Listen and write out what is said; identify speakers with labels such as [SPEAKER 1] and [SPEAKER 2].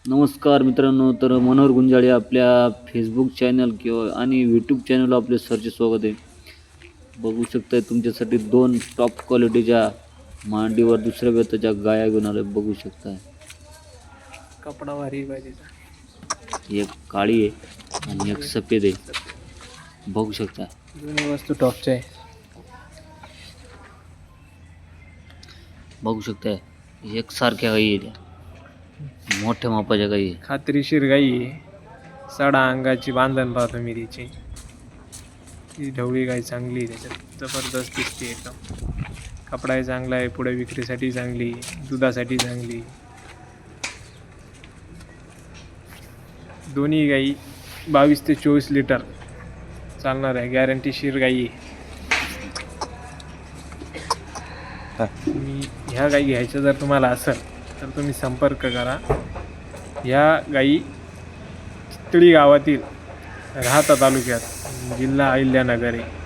[SPEAKER 1] नमस्कार मित्रांनो, तर मनोहर गुंजाळे आपल्या फेसबुक चॅनल किंवा आणि यूट्यूब चॅनलवर आपले सरचे स्वागत आहे. बघू शकताय तुमच्यासाठी दोन टॉप क्वालिटीच्या मांडीवर दुसऱ्या व्यताच्या गाया घेऊन आलोय. बघू शकताय
[SPEAKER 2] कपडा भारी पाहिजे.
[SPEAKER 1] एक काळी आहे आणि एक सफेद आहे. बघू शकताय
[SPEAKER 2] दोन्ही वस्तू टॉपच्या आहे.
[SPEAKER 1] बघू शकताय एकसारख्या गायी आहेत, मोठ्या मापाच्या गायी आहे.
[SPEAKER 2] खात्रीशीर गाई आहे. सडा अंगाची बांधण पाहतो मी तिची. ती ढवळी गाई चांगली आहे, त्याच्यात जबरदस्त दिसते एकदम. कपडाही चांगला आहे, पुढे विक्रीसाठी चांगली, दुधासाठी चांगली. दोन्ही गाई 22 ते 24 लिटर चालणार आहे. गॅरंटीशीर गाई आहे. तुम्ही ह्या गाई घ्यायच्या जर तुम्हाला असेल तर तुम्ही संपर्क करा. ह्या गाई चितळी गावातील राहाता तालुक्यात, जिल्हा अहिल्यानगर आहे.